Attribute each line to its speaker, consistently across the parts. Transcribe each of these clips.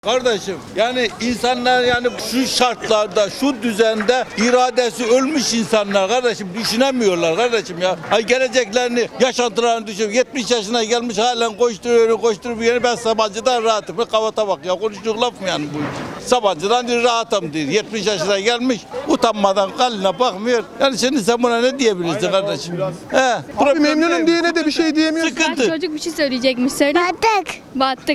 Speaker 1: Kardeşim yani insanlar yani şu şartlarda şu düzende iradesi ölmüş insanlar kardeşim düşünemiyorlar kardeşim ya. Hay geleceklerini yaşantılarını düşün. 70 yaşına gelmiş halen koşturuyor. Ben Sabancı'dan rahatım. Kavata bak ya konuştuğu laf mı yani bu? Sabancı'dan rahatım diyor. 70 yaşına gelmiş utanmadan kaline bakmıyor. Yani şimdi sen buna ne diyebilirsin kardeşim?
Speaker 2: Abi memnunum diyene de bir şey diyemiyorsun.
Speaker 1: Sıkıntı.
Speaker 3: Çocuk bir şey söyleyecekmiş. Söyle. Battık.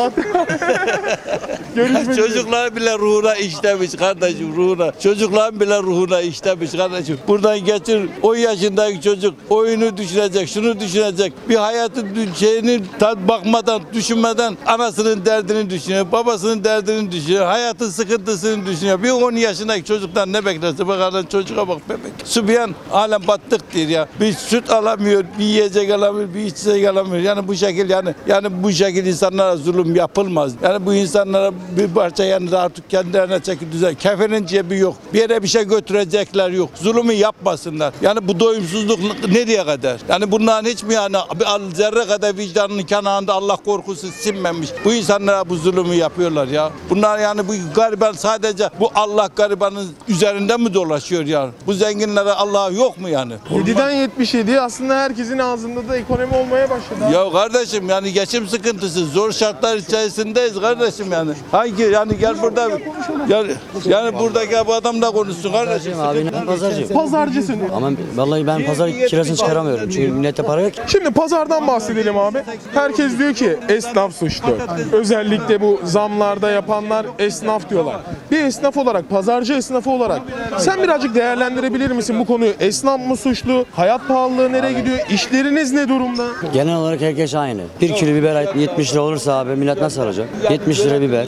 Speaker 1: Çocuklar bile ruhuna işlemiş kardeşim ruhuna. Çocukların bile ruhuna işlemiş kardeşim. Buradan geçir 10 yaşındaki çocuk oyunu düşünecek, şunu düşünecek. Bir hayatın şeyini bakmadan, düşünmeden anasının derdini düşünüyor, babasının derdini düşünüyor, hayatın sıkıntısını düşünüyor. Bir 10 yaşındaki çocuktan ne beklerse bakalım çocuğa bak bebek. Sübyan halen battık diyor ya. Bir süt alamıyor, bir yiyecek alamıyor, bir içecek alamıyor. Yani bu şekil yani bu şekil insanlara zulüm yapılmaz. Yani bu insanlara bir parça yani artık kendilerine çeki düzen. Kefenin cebi yok. Bir yere bir şey götürecekler yok. Zulümü yapmasınlar. Yani bu doyumsuzluk nereye kadar? Yani bunların hiç mi yani bir zerre kadar vicdanının kenarında Allah korkusu sinmemiş. Bu insanlara bu zulümü yapıyorlar ya. Bunlar yani bu gariban sadece bu Allah garibanın üzerinde mi dolaşıyor ya? Bu zenginlere Allah yok mu yani?
Speaker 2: 7'den 77 aslında herkesin ağzında da ekonomi olmaya başladı.
Speaker 1: Ya kardeşim yani geçim sıkıntısı zor şartlar içerisindeyiz kardeşim yani. Hangi yani gel burada yani buradaki bu adamla konuşsun kardeşim.
Speaker 4: Abi ben pazarcıyım.
Speaker 2: Pazarcısın.
Speaker 4: Ama vallahi ben pazar kirasını çıkaramıyorum. Çünkü millette para yok.
Speaker 2: Şimdi pazardan bahsedelim abi. Herkes diyor ki esnaf suçlu. Özellikle bu zamlarda yapanlar esnaf diyorlar. Bir esnaf olarak, pazarcı esnafı olarak sen birazcık değerlendirebilir misin bu konuyu? Esnaf mı suçlu? Hayat pahalılığı nereye gidiyor? İşleriniz ne durumda?
Speaker 4: Genel olarak herkes aynı. 1 kilo biber 70 lira olursa abi millet nasıl alacak? 70 lira biber,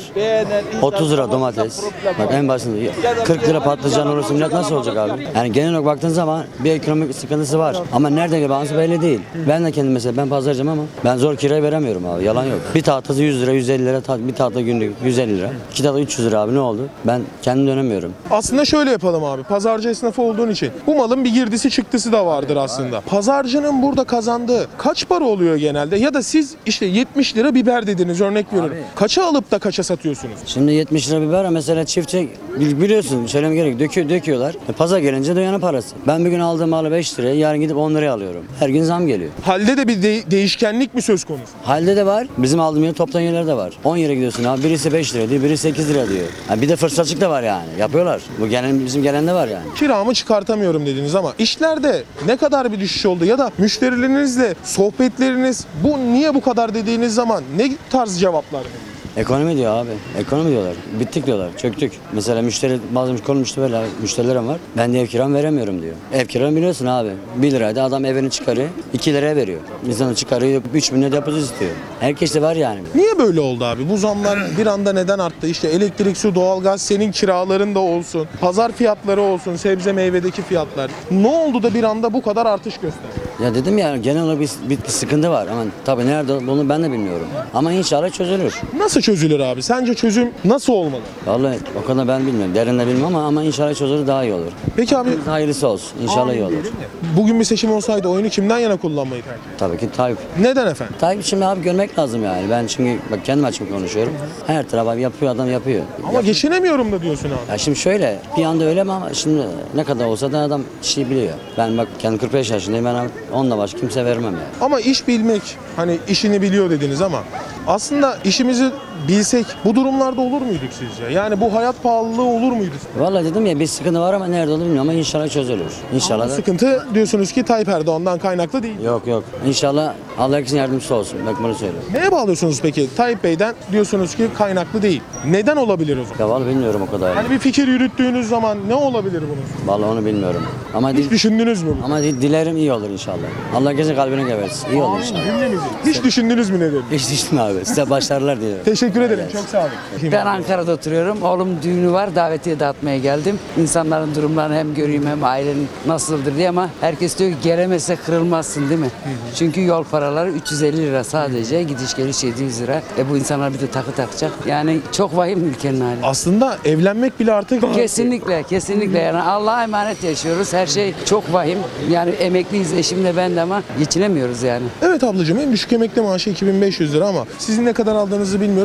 Speaker 4: 30 lira domates. Bak en basiti 40 lira patlıcan olursa millet nasıl olacak abi? Yani genel olarak baktığın zaman bir ekonomik sıkıntısı var. Ama nereden geliyor belli değil. Ben de kendim mesela ben pazarcıyım ama ben zor kirayı veremiyorum abi. Yalan yok. Bir tahtası 100 lira, 150 lira, bir tahta günlük 150 lira. 2 tahta 300 lira abi ne oldu? Ben kendim dönemiyorum.
Speaker 2: Aslında şöyle yapalım abi. Pazarcı esnafı olduğun için bu malın bir girdisi çıktısı da vardır aslında. Pazarcının burada kazandığı kaç para oluyor genelde? Ya da siz işte 70 lira biber dediniz örnek veriyorum. Kaça alıp da kaça satıyorsunuz?
Speaker 4: Şimdi 70 lira biber mesela çiftçi biliyorsun söyleme gerek döküyorlar. Pazar gelince dönüyor parası. Ben bir gün aldığım malı 5 liraya yarın gidip 10 liraya alıyorum. Her gün zam geliyor.
Speaker 2: Halde de bir değişkenlik mi söz konusu?
Speaker 4: Halde de var. Bizim aldığım yeri toptan yerler de var. 10 yere gidiyorsun abi. Birisi 5 lira diyor, birisi 8 lira diyor. Yani bir de fırsatçılık da var yani. Yapıyorlar. Bu bizim gelen de var yani.
Speaker 2: Kiramı çıkartamıyorum dediniz ama işlerde ne kadar bir düşüş oldu ya da müşterilerinizle sohbetleriniz niye bu kadar dediğiniz zaman ne tarz cevaplar veriyor?
Speaker 4: Ekonomi diyor abi. Ekonomi diyorlar. Bittik diyorlar. Çöktük. Mesela bazı konu müşterilerim var. Ben de ev kiramı veremiyorum diyor. Ev kiramı biliyorsun abi. 1 liraydı adam evini çıkarıyor. 2 liraya veriyor. İnsanı çıkarıyor 3 bin lira depozit istiyor. Herkes de var yani.
Speaker 2: Niye böyle oldu abi? Bu zamlar bir anda neden arttı? İşte elektrik, su, doğalgaz, senin kiraların da olsun, pazar fiyatları olsun, sebze meyvedeki fiyatlar. Ne oldu da bir anda bu kadar artış gösterdi?
Speaker 4: Ya dedim ya genel olarak bir sıkıntı var. Ama tabii nerede bunu ben de bilmiyorum. Ama inşallah çözülür.
Speaker 2: Nasıl çözülür abi? Sence çözüm nasıl olmalı?
Speaker 4: Vallahi o kadar ben bilmiyorum. Derinde bilmem ama inşallah çözülür daha iyi olur.
Speaker 2: Peki abi
Speaker 4: Hayırlısı olsun. İnşallah iyi olur.
Speaker 2: bugün bir seçim olsaydı oyunu kimden yana kullanmayı tercih eder?
Speaker 4: Tabii ki Tayyip.
Speaker 2: Neden efendim?
Speaker 4: Tayyip şimdi abi görmek lazım yani. Ben çünkü bak kendim açık konuşuyorum. Her taraf abi yapıyor adam yapıyor.
Speaker 2: Ama geçinemiyorum da diyorsun abi.
Speaker 4: Ya şimdi şöyle bir anda öyle mi ama şimdi ne kadar olsa da adam işi biliyor. Ben bak kendim 45 yaşındayım ben onunla baş kimse vermem yani.
Speaker 2: Ama iş bilmek, hani işini biliyor dediniz ama aslında işimizi bilsek bu durumlarda olur muyduk sizce? Yani bu hayat pahalılığı olur muydu?
Speaker 4: Vallahi dedim ya bir sıkıntı var ama nerede olur bilmiyorum ama inşallah çözülür. İnşallah da.
Speaker 2: Sıkıntı diyorsunuz ki Tayyip Erdoğan'dan kaynaklı değil.
Speaker 4: Yok. İnşallah Allah herkesin yardımcısı olsun. Bak bunu söylüyorum.
Speaker 2: Neye bağlıyorsunuz peki? Tayyip Bey'den diyorsunuz ki kaynaklı değil. Neden olabilir o zaman?
Speaker 4: Ya vallahi bilmiyorum o kadar.
Speaker 2: Hani bir fikir yürüttüğünüz zaman ne olabilir bunun?
Speaker 4: Vallahi onu bilmiyorum. Ama
Speaker 2: Hiç düşündünüz mü?
Speaker 4: ama dilerim iyi olur inşallah. Allah herkesin kalbine geversin. İyi olur inşallah.
Speaker 2: Hiç düşündünüz mü ne dedim?
Speaker 4: Hiç düştüm abi. Size başarılar diliyorum.
Speaker 2: Teşekkür ederim. Çok sağ olun.
Speaker 5: Ben Ankara'da oturuyorum. Oğlum düğünü var. Davetiye dağıtmaya geldim. İnsanların durumlarını hem göreyim hem ailenin nasıldır diye ama herkes diyor ki gelemezse kırılmazsın değil mi? Çünkü yol paraları 350 lira sadece. Gidiş geliş 700 lira. Bu insanlar bir de takı takacak. Yani çok vahim ülkenin hali.
Speaker 2: Aslında evlenmek bile artık...
Speaker 5: Kesinlikle yani Allah'a emanet yaşıyoruz. Her şey çok vahim. Yani emekliyiz eşimle ben de ama geçinemiyoruz yani.
Speaker 2: Evet ablacığım en düşük emekli maaşı 2500 lira ama sizin ne kadar aldığınızı bilmiyorum.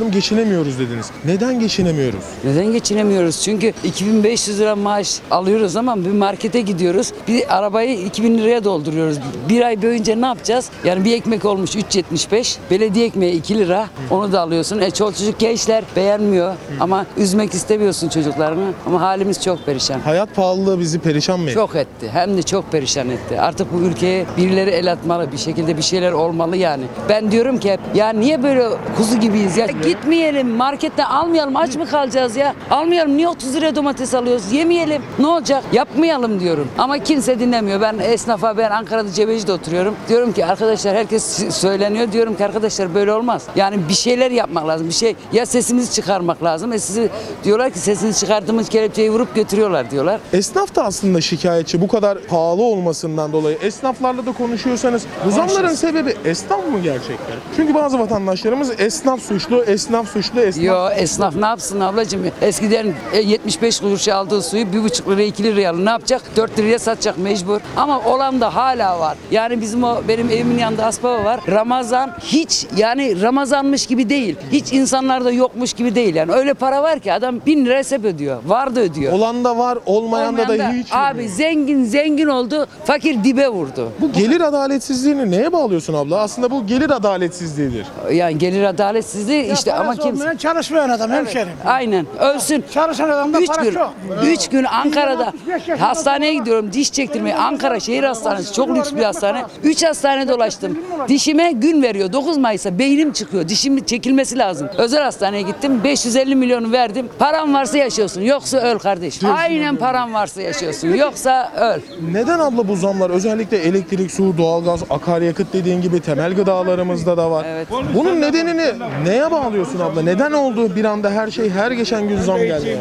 Speaker 2: an geçinemiyoruz dediniz. Neden geçinemiyoruz?
Speaker 5: Neden geçinemiyoruz? Çünkü 2500 lira maaş alıyoruz ama bir markete gidiyoruz. Bir arabayı 2000 liraya dolduruyoruz. Bir ay boyunca ne yapacağız? Yani bir ekmek olmuş 3.75. Belediye ekmeği 2 lira. Onu da alıyorsun. Çoluk gençler beğenmiyor ama üzmek istemiyorsun çocuklarını. Ama halimiz çok perişan.
Speaker 2: Hayat pahalılığı bizi perişan mı etti?
Speaker 5: Çok etti. Hem de çok perişan etti. Artık bu ülkeye birileri el atmalı. Bir şekilde bir şeyler olmalı yani. Ben diyorum ki hep ya niye böyle kuzu gibiyiz ya? Gitmeyelim marketten almayalım. Aç mı kalacağız ya? Almayalım. Niye 30 liraya domates alıyoruz? Yemeyelim. Ne olacak? Yapmayalım diyorum. Ama kimse dinlemiyor. Ben esnafa, ben Ankara'da Cebeci'de oturuyorum. Diyorum ki arkadaşlar herkes söyleniyor. Diyorum ki arkadaşlar böyle olmaz. Yani bir şeyler yapmak lazım. Bir şey ya sesimizi çıkarmak lazım. Sizi diyorlar ki sesinizi çıkardığımız kelepçeyi vurup götürüyorlar diyorlar.
Speaker 2: Esnaf da aslında şikayetçi bu kadar pahalı olmasından dolayı. Esnaflarla da konuşuyorsanız bu zamların sebebi esnaf mı gerçekten? Çünkü bazı vatandaşlarımız esnaf suçlu, esnaf suçlu, esnaf...
Speaker 5: Yo esnaf ne yapsın ablacığım? Eskiden 75 kuruşa aldığı suyu 1,5 liraya 2 liraya alır. Ne yapacak? 4 liraya satacak mecbur. Ama olan da hala var. Yani benim evimin yanında Aspava var. Ramazan hiç yani Ramazanmış gibi değil. Hiç insanlarda yokmuş gibi değil. Yani öyle para var ki adam 1000 lira hesap ödüyor. Var da ödüyor.
Speaker 2: Olan da var, olmayan da
Speaker 5: Olmayan
Speaker 2: hiç.
Speaker 5: Abi zengin oldu. Fakir dibe vurdu.
Speaker 2: Bu gelir adaletsizliğini neye bağlıyorsun abla? Aslında bu gelir adaletsizliğidir.
Speaker 5: Yani gelir adaletsizliği işte ama
Speaker 6: Parası
Speaker 5: kimse...
Speaker 6: olmayan çalışmayan adam hemşerim.
Speaker 5: Aynen ölsün.
Speaker 6: Çalışan adamda
Speaker 5: 3
Speaker 6: para
Speaker 5: gün,
Speaker 6: çok.
Speaker 5: 3 gün Ankara'da
Speaker 6: 65 yaşında
Speaker 5: hastaneye gidiyorum diş çektirmeye. Ankara Şehir Hastanesi çok lüks bir hastane. 3 hastane dolaştım. Dişime gün veriyor. 9 Mayıs'a beynim çıkıyor. Dişim çekilmesi lazım. Özel hastaneye gittim. 550 milyonu verdim. Param varsa yaşıyorsun. Yoksa öl kardeşim. Aynen param varsa yaşıyorsun. Yoksa öl.
Speaker 2: Neden abla bu zamlar özellikle elektrik, su, doğalgaz, akaryakıt dediğin gibi temel gıdalarımızda da var.
Speaker 5: Evet.
Speaker 2: Bunun nedenini neye bağlıyorsun abla? Neden oldu bir anda her geçen gün zam geldi?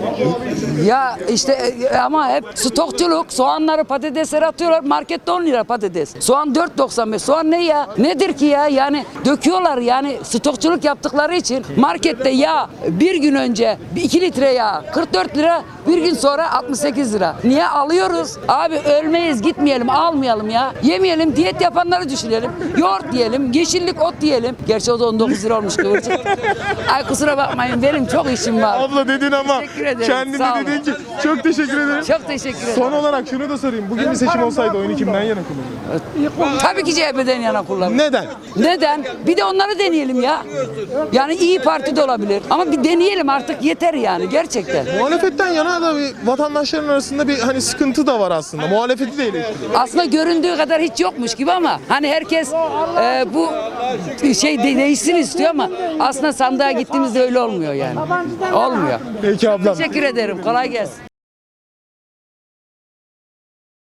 Speaker 5: Ya işte ama hep stokçuluk. Soğanları patatesleri atıyorlar. Markette 10 lira patates. Soğan 4.95. Soğan ne ya? Nedir ki ya? Yani döküyorlar yani stokçuluk yaptıkları için markette yağ bir gün önce 2 litre yağ 44 lira, bir gün sonra 68 lira. Niye alıyoruz? Abi ölmeyiz, gitmeyelim, almayalım ya. Yemeyelim, diyet yapanları düşünelim. Yoğurt diyelim, yeşillik ot diyelim. Gerçi o da 19 lira olmuş kıvırcık. Ay kusura bakmayın benim çok işim var.
Speaker 2: Abla dedin ama
Speaker 5: Teşekkür ederim,
Speaker 2: kendin
Speaker 5: sağ
Speaker 2: de
Speaker 5: olun.
Speaker 2: dedin ki çok teşekkür ederim.
Speaker 5: Çok teşekkür ederim.
Speaker 2: Son olarak şunu da sorayım. Bugün bir seçim olsaydı oyunu kimden yana kullanırdın?
Speaker 5: Tabii ki CHP'den yana kullanırım.
Speaker 2: Neden?
Speaker 5: Neden? Bir de onları deneyelim ya. Yani İyi Parti de olabilir. Ama bir deneyelim artık yeter yani gerçekten.
Speaker 2: Muhalefetten yana da bir vatandaşların arasında bir hani sıkıntı da var aslında. Muhalefeti de eleştiriyor.
Speaker 5: Aslında göründüğü kadar hiç yokmuş gibi ama hani herkes bu şey değişsin istiyor ama aslında sandığa gittiğimizde öyle olmuyor yani. Olmuyor.
Speaker 2: Peki ablam.
Speaker 5: Teşekkür ederim. Kolay gelsin.